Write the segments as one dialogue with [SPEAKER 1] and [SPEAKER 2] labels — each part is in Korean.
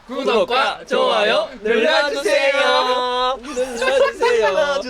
[SPEAKER 1] 구독과 좋아요 눌러주세요. 눌러주세요.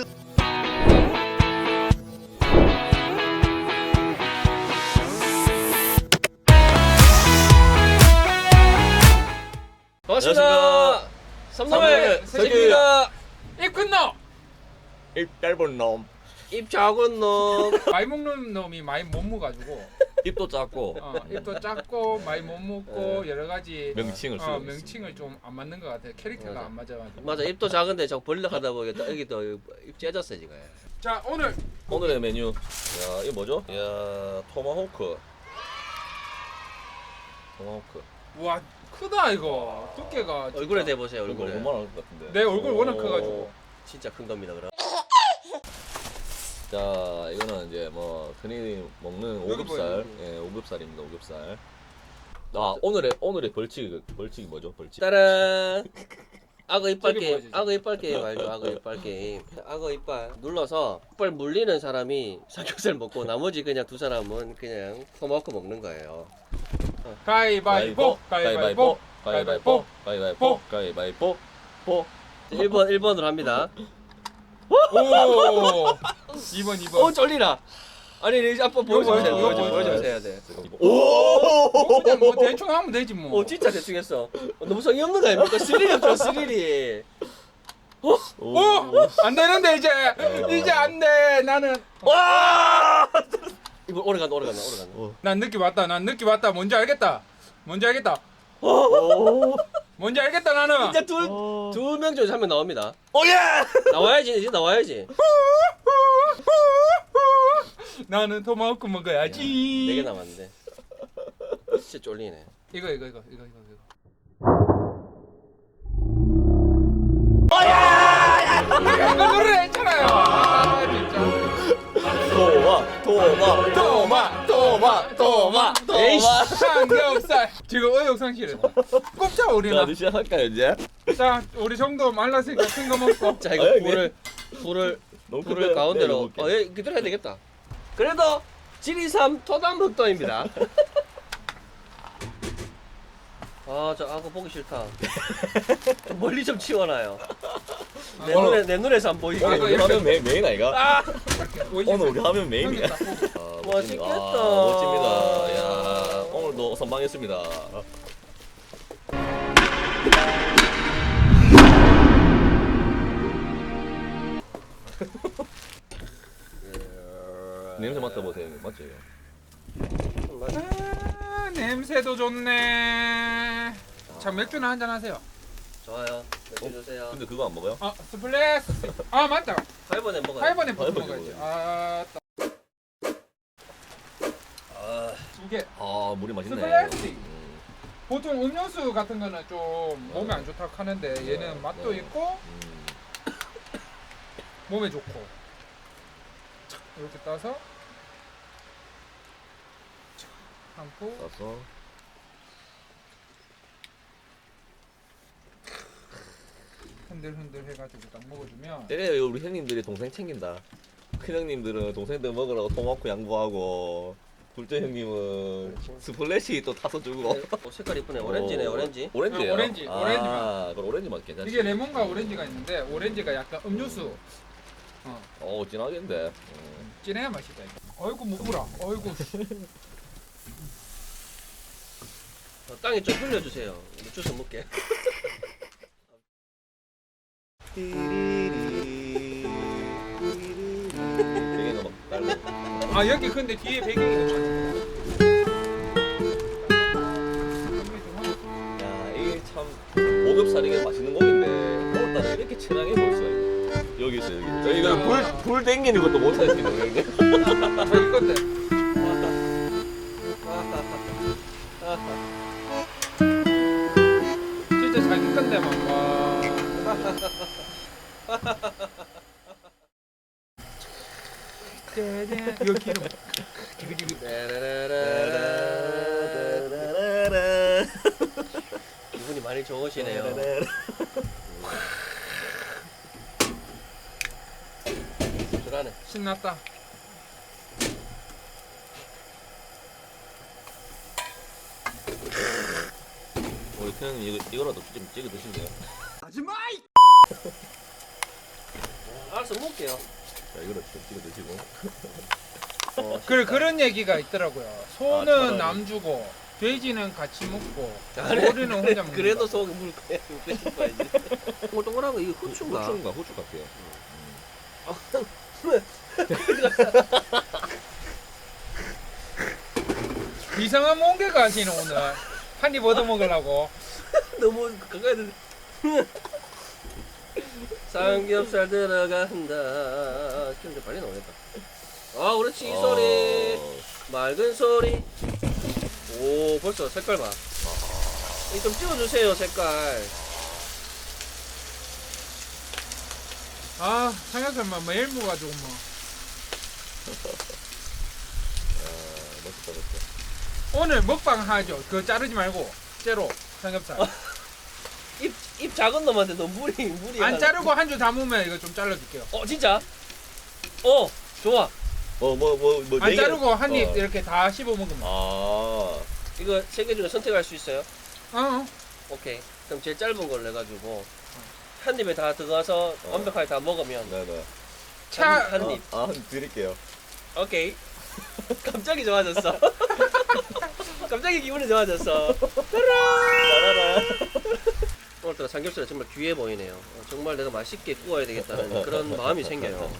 [SPEAKER 1] 반갑습니다. 삼남의 석입니다.
[SPEAKER 2] 입 큰 놈!
[SPEAKER 1] 입 짧은 놈,
[SPEAKER 2] 입 작은 놈. 많이 먹는 놈이 많이 못 먹어가지고
[SPEAKER 1] 입도 작고
[SPEAKER 2] 입도 작고 많이 못 먹고 여러 가지
[SPEAKER 1] 명칭을 쓰고
[SPEAKER 2] 명칭을 좀 안 맞는 것 같아. 캐릭터가
[SPEAKER 3] 맞아.
[SPEAKER 2] 안 맞아가지고.
[SPEAKER 3] 맞아, 입도 작은데 자꾸 벌려 하다 보니까 여기도 입 째졌어 지금.
[SPEAKER 2] 자 오늘
[SPEAKER 1] 오늘의 메뉴. 야, 이거 뭐죠? 야, 토마호크. 토마호크.
[SPEAKER 2] 와 크다 이거 두께가 진짜.
[SPEAKER 3] 얼굴에 대보세요.
[SPEAKER 1] 이거
[SPEAKER 3] 얼굴에.
[SPEAKER 1] 얼마나 할것 같은데?
[SPEAKER 2] 내 얼굴 워낙
[SPEAKER 1] 오.
[SPEAKER 2] 커가지고.
[SPEAKER 3] 진짜 큰 겁니다 그럼.
[SPEAKER 1] 자, 이거는 이제 뭐 흔히 먹는
[SPEAKER 2] 여기
[SPEAKER 1] 오겹살.
[SPEAKER 2] 보여요.
[SPEAKER 1] 예, 오겹살입니다. 오겹살. 아, 오늘의 벌칙이 뭐죠? 벌칙.
[SPEAKER 3] 따란. 악어 이빨
[SPEAKER 2] 저기
[SPEAKER 3] 게임.
[SPEAKER 2] 보여주지.
[SPEAKER 3] 악어 이빨 게임 알죠? 악어 이빨 게임. 악어 이빨 눌러서 이빨 물리는 사람이 삼겹살 먹고 나머지 그냥 두 사람은 그냥 토마호크 먹는 거예요.
[SPEAKER 2] 가위바위보 가위바위보
[SPEAKER 1] 가위바위보, 가위바위보, 가위바위보, 보.
[SPEAKER 3] 1번으로 합니다.
[SPEAKER 2] 오 2번
[SPEAKER 3] 쫄리라. 아니 이제 아빠 보여주세요.
[SPEAKER 2] 보여줘,
[SPEAKER 3] 보여주세요 해야 돼.
[SPEAKER 1] 오!
[SPEAKER 2] 그냥 뭐 대충 하면 되지 뭐.
[SPEAKER 3] 진짜 대충 했어. 너무 성의 없는 거 아닙니까? 스릴이 없죠 스릴이.
[SPEAKER 2] 오! 안 되는데 이제 안 돼. 나는
[SPEAKER 3] 와! 이거 오래 간다.
[SPEAKER 2] 난 느낌 왔다. 뭔지 알겠다. 뭔지 알겠다 나는.
[SPEAKER 3] 이제 두 명 중에서 한 명 나옵니다.
[SPEAKER 1] 오예!
[SPEAKER 3] 나와야지 이제 나와야지.
[SPEAKER 2] 나는 토마호크 먹어야지.
[SPEAKER 3] 4개 남았는데. 진짜 쫄리네.
[SPEAKER 2] 이거. 이거 노래 했잖아요. 진짜.
[SPEAKER 1] 토마.
[SPEAKER 3] 에이씨.
[SPEAKER 2] 삼겹살. 지금 의욕상실해. 꼽자
[SPEAKER 1] 자,
[SPEAKER 2] 우리나.
[SPEAKER 1] 이제 시작할까요, 이제?
[SPEAKER 2] 자, 우리 정도 말랐으니까 큰 거 먹고.
[SPEAKER 3] 자 이거
[SPEAKER 1] 네.
[SPEAKER 3] 불을
[SPEAKER 1] 너무
[SPEAKER 3] 가운데로. 기다려야 되겠다. 그래도 지리삼 토담흑도입니다. 아, 저 악어 보기 싫다. 좀 멀리 좀 치워놔요. 내 눈에서 안 보이게.
[SPEAKER 1] 오늘 우리 하면 메인 아이가?
[SPEAKER 3] 아,
[SPEAKER 1] 오늘 우리 하면 메인이야.
[SPEAKER 3] 멋있겠다.
[SPEAKER 1] 멋집니다. 야, 오늘도 선방했습니다. 냄새 맡아보세요. 맞죠?
[SPEAKER 2] 아, 냄새도 좋네. 자, 맥주나 한잔 하세요.
[SPEAKER 3] 좋아요. 몇개 주세요.
[SPEAKER 1] 근데 그거 안 먹어요?
[SPEAKER 2] 스플래시. 아, 맞다.
[SPEAKER 3] 8번에 먹어요.
[SPEAKER 2] 8번에 버터
[SPEAKER 1] 팔번에
[SPEAKER 2] 먹어야지.
[SPEAKER 1] 먹어야지.
[SPEAKER 3] 아,
[SPEAKER 2] 두 개.
[SPEAKER 1] 아, 물이 맛있네.
[SPEAKER 2] 스플래시. 보통 음료수 같은 거는 좀 몸에 안 좋다고 하는데 얘는 맛도 있고 몸에 좋고. 이렇게 따서 담고
[SPEAKER 1] 따서
[SPEAKER 2] 흔들흔들 해가지고 딱 먹어주면
[SPEAKER 1] 때려요. 우리 형님들이 동생 챙긴다. 큰 형님들은 동생들 먹으라고 토마호크 양보하고, 둘째 형님은 스플래시 또 타서 주고.
[SPEAKER 3] 색깔 이쁘네. 오렌지네, 오렌지.
[SPEAKER 1] 오렌지예요?
[SPEAKER 2] 오렌지, 오렌지만.
[SPEAKER 1] 그럼 오렌지 맛 괜찮지.
[SPEAKER 2] 이게 레몬과 오렌지가 있는데 오렌지가 약간 음료수
[SPEAKER 1] 진하겠는데.
[SPEAKER 2] 진해야 맛있다 이거. 어이구 무구라. 어이구.
[SPEAKER 3] 땅에 좀 흘려주세요. 우리 주워 먹게.
[SPEAKER 1] 되게 막 달고.
[SPEAKER 2] 아 여기 근데 뒤에 배경이
[SPEAKER 1] 야, 이게 참 오겹살이 이게 맛있는 고기인데 오늘따라 이렇게 진하게 먹을 수가 있네. 여기 있어 여기. 저희가 불 땡기는 것도 못 할 수 있는 거예요.
[SPEAKER 2] 저기 건데. 진짜 잘 익었네 막. 와. 이거 기름.
[SPEAKER 3] 기분이 많이 좋으시네요. 들어가네.
[SPEAKER 2] 신났다.
[SPEAKER 1] 형님 이거라도 좀 찍어 드실래요?
[SPEAKER 3] 알았어 먹을게요.
[SPEAKER 1] 자 이거라도 좀 찍어 드시고.
[SPEAKER 2] 그래 그런 얘기가 있더라고요. 소는
[SPEAKER 1] 차라리.
[SPEAKER 2] 남 주고 돼지는 같이 먹고
[SPEAKER 3] 아니,
[SPEAKER 2] 오리는 혼자 먹는
[SPEAKER 3] 그래도
[SPEAKER 2] 거.
[SPEAKER 3] 속에 물 거야. 뺏을 거야지. 동글동글한 거 이거 후추인가?
[SPEAKER 1] 후추인가 후추 같아요.
[SPEAKER 2] 이상한 몽개가 하시는 오늘 한 입 얻어 먹으려고.
[SPEAKER 3] 너무 가까이 들. 삼겹살 들어간다. 좀 빨리 나오겠다. 아, 그렇지 이 소리. 맑은 소리. 오, 벌써 색깔 봐. 이거 좀 찍어주세요 색깔.
[SPEAKER 2] 아 삼겹살만 매일 먹어가지고 뭐.
[SPEAKER 1] 멋있다 멋있다.
[SPEAKER 2] 오늘 먹방 하죠. 그거 자르지 말고 째로 삼겹살.
[SPEAKER 3] 입 작은 놈한테 너 물이
[SPEAKER 2] 안 자르고 한 줄 담으면 이거 좀 잘라줄게요.
[SPEAKER 3] 진짜? 어 좋아.
[SPEAKER 2] 안 자르고 한 입 이렇게 다 씹어 먹으면.
[SPEAKER 1] 아.
[SPEAKER 3] 이거 세 개 중에 선택할 수 있어요?
[SPEAKER 2] 어.
[SPEAKER 3] 오케이. 그럼 제일 짧은 걸로 해가지고 한 입에 다 들어가서 완벽하게 다 먹으면
[SPEAKER 1] 네네.
[SPEAKER 3] 한 입.
[SPEAKER 1] 아 드릴게요.
[SPEAKER 3] 오케이. 갑자기 좋아졌어. 갑자기 기분이 좋아졌어.
[SPEAKER 1] 따라라.
[SPEAKER 3] 오늘따라 삼겹살이 정말 귀해 보이네요. 정말 내가 맛있게 구워야 되겠다는 그런 마음이 생겨요.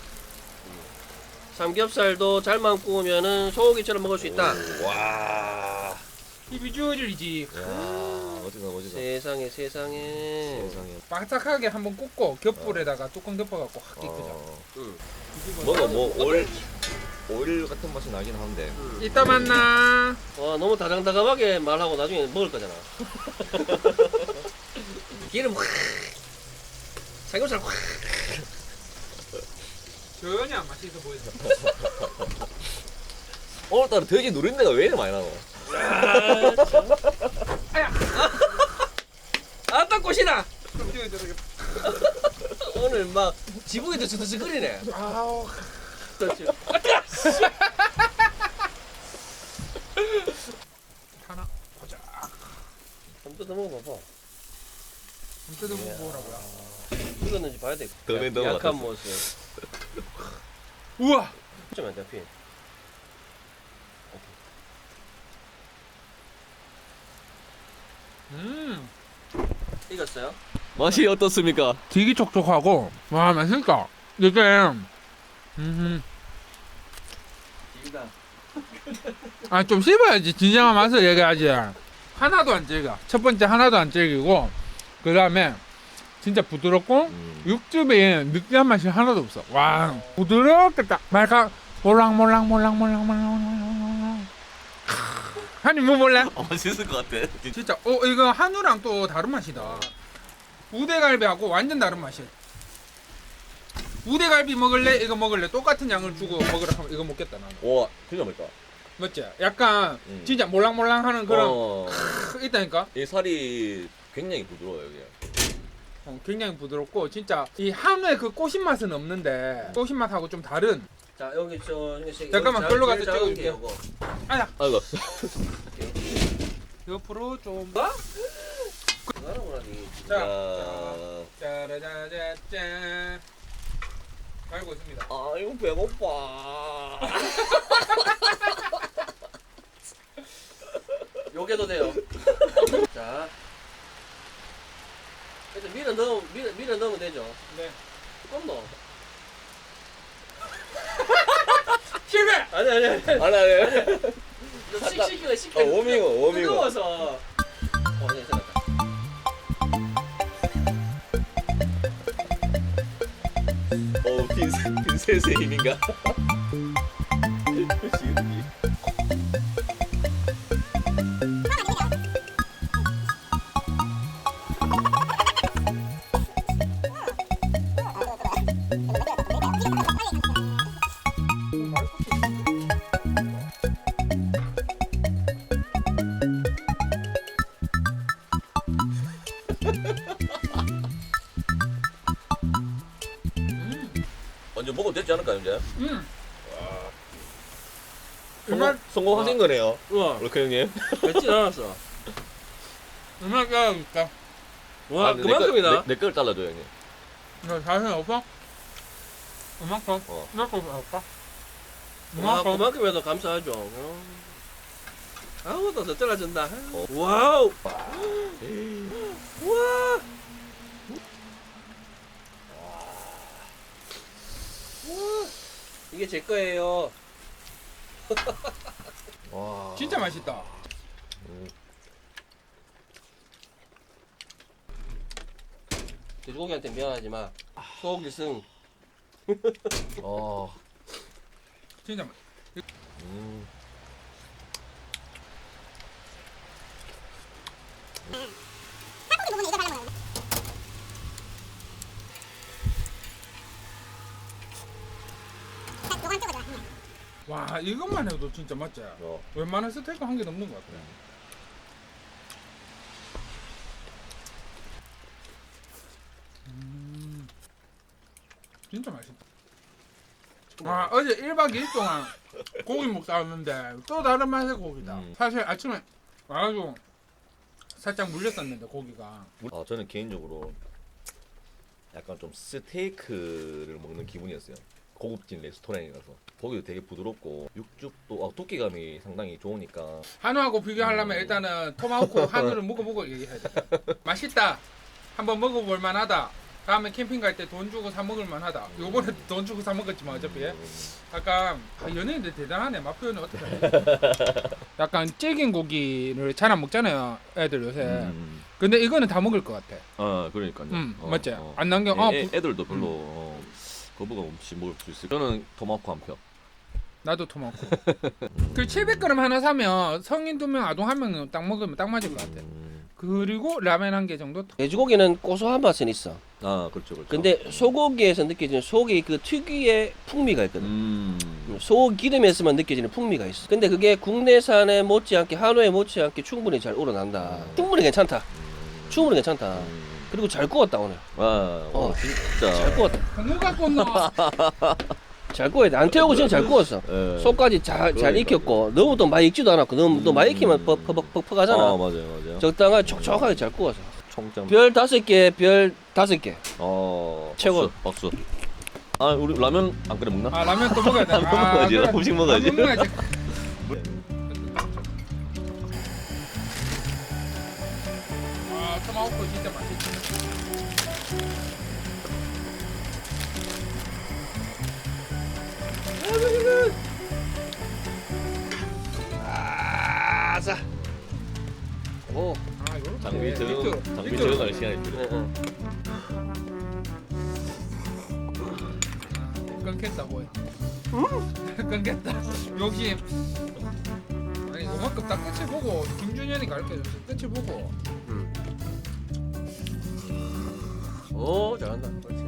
[SPEAKER 3] 삼겹살도 잘만 구우면은 소고기처럼 먹을 수 있다.
[SPEAKER 1] 와.
[SPEAKER 2] 입이 주어질지.
[SPEAKER 1] 야 멋지다 멋지다.
[SPEAKER 3] 세상에.
[SPEAKER 1] 세상에.
[SPEAKER 2] 바삭하게 한번 굽고 겹불에다가 뚜껑 덮어갖고 확 익히자.
[SPEAKER 3] 응.
[SPEAKER 1] 뭔가 오일 같은 맛이 나긴 한데.
[SPEAKER 2] 이따 만나.
[SPEAKER 3] 와 너무 다정다감하게 말하고 나중에 먹을 거잖아. 기름 확. 삼겹살 확.
[SPEAKER 2] 전혀 안 맛있어 보이죠.
[SPEAKER 1] 오늘따라 돼지 누린내가 왜 이렇게 많이 나노?
[SPEAKER 3] 아따 꽃이다.
[SPEAKER 2] 좀 띄워줘.
[SPEAKER 3] 오늘 막 지붕에 드치드치거리네.
[SPEAKER 2] 아우.
[SPEAKER 3] 그렇지.
[SPEAKER 2] 하나 보자.
[SPEAKER 3] 한번 더 먹어봐봐.
[SPEAKER 2] 좀 뜯어 먹으라고요.
[SPEAKER 3] 익었는지 봐야 돼.
[SPEAKER 1] 너네 너무
[SPEAKER 3] 약한
[SPEAKER 1] 같았어.
[SPEAKER 3] 모습.
[SPEAKER 2] 우와.
[SPEAKER 3] 좀 안 잡히. 익었어요?
[SPEAKER 1] 맛이 어떻습니까?
[SPEAKER 2] 되게 촉촉하고 와 맛있다. 이게
[SPEAKER 3] 익다.
[SPEAKER 2] 좀 씹어야지 진정한 맛을 얘기하지. 하나도 안 질겨. 첫 번째 하나도 안 질기고 그 다음에 진짜 부드럽고 육즙에 느끼한 맛이 하나도 없어. 와 부드럽게 딱 말캉 몰랑몰랑 한입 뭐 몰래?
[SPEAKER 1] 맛있을 것 같아.
[SPEAKER 2] 진짜 이거 한우랑 또 다른 맛이다. 우대갈비하고 완전 다른 맛이야. 우대갈비 먹을래? 이거 먹을래? 똑같은 양을 주고 먹으라 하면 이거 먹겠다 나는.
[SPEAKER 1] 와 진짜 맛있다.
[SPEAKER 2] 맞지? 약간 진짜 몰랑몰랑하는 그런 있다니까?
[SPEAKER 1] 이 살이 굉장히 부드러워요 여기.
[SPEAKER 2] 굉장히 부드럽고 진짜 이 한우의 그 꼬신 맛은 없는데 꼬신 맛하고 좀 다른.
[SPEAKER 3] 자 여기 저
[SPEAKER 2] 잠깐만, 글로 가서 찍어줄게. 아야
[SPEAKER 1] 아이고.
[SPEAKER 2] 옆으로 좀.
[SPEAKER 3] 자.
[SPEAKER 2] 짜라자자짠. 알고 있습니다.
[SPEAKER 1] 아이고 배고파.
[SPEAKER 3] 요게도 돼요. 자. 일단 밀어 넣으면 되죠.
[SPEAKER 2] 네.
[SPEAKER 3] 조금 넣어.
[SPEAKER 2] 실패.
[SPEAKER 3] 아니.
[SPEAKER 1] 아니.
[SPEAKER 3] 식혀.
[SPEAKER 1] 워밍업.
[SPEAKER 3] 뜨거워서. 괜찮았다.
[SPEAKER 1] 빈셋의 힘인가? 완전 먹어도 되지 않을까요 이제?
[SPEAKER 2] 정말
[SPEAKER 1] 성공하신 거네요.
[SPEAKER 3] 우와.
[SPEAKER 1] 로크 형님.
[SPEAKER 3] 맵진 않았어.
[SPEAKER 2] 얼마나 잘라줄까?
[SPEAKER 3] 와
[SPEAKER 1] 아니,
[SPEAKER 3] 그만큼이나.
[SPEAKER 1] 내 걸 잘라줘 형님.
[SPEAKER 2] 너 자신 없어? 이만큼?
[SPEAKER 1] 어.
[SPEAKER 2] 이만큼 할까?
[SPEAKER 3] 와
[SPEAKER 2] 이만큼?
[SPEAKER 3] 그만큼이라도 감사하죠. 아무것도 더 떨어진다. 와우. 와. 이게 제 거예요.
[SPEAKER 1] 와.
[SPEAKER 2] 진짜 맛있다.
[SPEAKER 3] 돼지고기한테 미안하지만 소고기 승.
[SPEAKER 1] 어.
[SPEAKER 2] 진짜 맛.
[SPEAKER 1] 음.
[SPEAKER 2] 와 이것만 해도 진짜 맛지.
[SPEAKER 1] 어.
[SPEAKER 2] 웬만한 스테이크 한 개 넘는 것 같아. 진짜 맛있다. 와 어제 1박 2일 동안 고기 먹다 왔는데 또 다른 맛의 고기다. 사실 아침에 와가지고 살짝 물렸었는데 고기가.
[SPEAKER 1] 아 저는 개인적으로 약간 좀 스테이크를 먹는 기분이었어요. 고급진 레스토랑이라서 고기도 되게 부드럽고 육즙도 두께감이 상당히 좋으니까.
[SPEAKER 2] 한우하고 비교하려면 일단은 토마호크 한우를 먹어보고 얘기해야 돼. 맛있다. 한번 먹어볼 만하다. 다음에 캠핑 갈 때 돈 주고 사 먹을 만하다. 요번에 돈 주고 사 먹었지만 어차피 약간 연예인들 대단하네. 맛 표현을 어떻게 해. 약간 질긴 고기를 잘 안 먹잖아요 애들 요새. 근데 이거는 다 먹을 것 같아.
[SPEAKER 1] 아 그러니까요.
[SPEAKER 2] 맞지? 안 남겨.
[SPEAKER 1] 애들도 별로 거부감 없이 먹을 수 있어요. 저는 토마호크 한 표.
[SPEAKER 2] 나도 토마호크. 그 700g 하나 사면 성인 2명 아동 1명 딱 먹으면 딱 맞을 것 같아. 그리고 라면 한 개 정도.
[SPEAKER 3] 돼지고기는 고소한 맛은 있어.
[SPEAKER 1] 아 그렇죠 그렇죠.
[SPEAKER 3] 근데 소고기에서 느껴지는 소고기 그 특유의 풍미가 있거든. 소고기 기름에서만 느껴지는 풍미가 있어. 근데 그게 국내산에 못지않게 한우에 못지않게 충분히 잘 우러난다. 충분히 괜찮다. 충분히 괜찮다. 그리고 잘 구웠다 오늘.
[SPEAKER 1] 진짜
[SPEAKER 3] 잘 구웠다.
[SPEAKER 2] 공무 갖고 온나.
[SPEAKER 3] 잘 구워야 돼. 안 태우고 진짜 잘 구웠어.
[SPEAKER 1] 예.
[SPEAKER 3] 속까지 잘 익혔고 너무 또 많이 익지도 않았고 너무 또 많이 익히면 퍽퍽하잖아.
[SPEAKER 1] 아 맞아요.
[SPEAKER 3] 적당하게 촉촉하게 잘 구워서.
[SPEAKER 1] 총점.
[SPEAKER 3] 별 5개, 별 5개. 최고.
[SPEAKER 1] 박수. 아 우리 라면 안 끓여 먹나?
[SPEAKER 2] 아 라면 또 먹어야 돼.
[SPEAKER 1] 라면 먹어야지.
[SPEAKER 2] 그래.
[SPEAKER 1] 음식 먹어야지.
[SPEAKER 2] 라면 먹어야지. 아 토마호크 진짜 맛있지.
[SPEAKER 3] 아자. 오.
[SPEAKER 2] 아 요렇게.
[SPEAKER 1] 장비 적응할 시간이 필요.
[SPEAKER 2] 끊겠다고 해. 끊겠다. 역시 아니 요만큼 딱 끝을 보고 김준현이 가르쳐줬어. 끝을 보고.
[SPEAKER 3] 오 잘한다. 그렇지.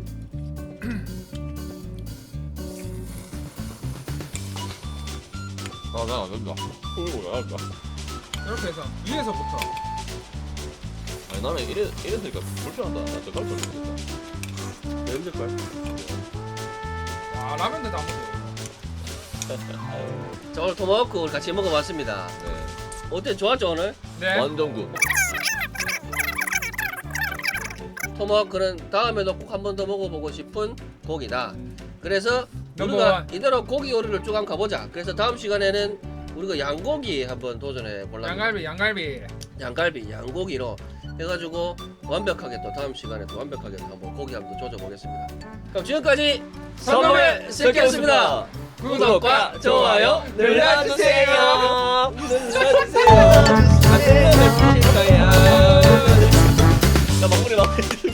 [SPEAKER 1] 아나안 된다. 잘한다.
[SPEAKER 2] 이렇게 해서 위에서부터.
[SPEAKER 1] 아니 나는 이랬으니까 불편하다. 나저 갈줄 모르겠다.
[SPEAKER 3] 연습할.
[SPEAKER 2] 와 라면도 다 먹어.
[SPEAKER 3] 자 오늘 토마호크 우리 같이 먹어봤습니다.
[SPEAKER 1] 네.
[SPEAKER 3] 어때 좋았죠 오늘?
[SPEAKER 2] 네.
[SPEAKER 1] 완전 굿.
[SPEAKER 3] 토마호크는 다음에도 꼭 한 번 더 먹어보고 싶은 고기다. 그래서
[SPEAKER 2] 넘버
[SPEAKER 3] 우리가
[SPEAKER 2] 원.
[SPEAKER 3] 이대로 고기 요리를 쭉 한번 가보자. 그래서 다음 시간에는 우리가 양고기 한번 도전해 보려고.
[SPEAKER 2] 양갈비.
[SPEAKER 3] 양고기로 해가지고 완벽하게 또 다음 시간에 또 완벽하게 한번 고기 한번 조져보겠습니다. 그럼 지금까지 선범의 새끼였습니다. 구독과 좋아요 눌러주세요. 눌러주세요. 자, 마무리.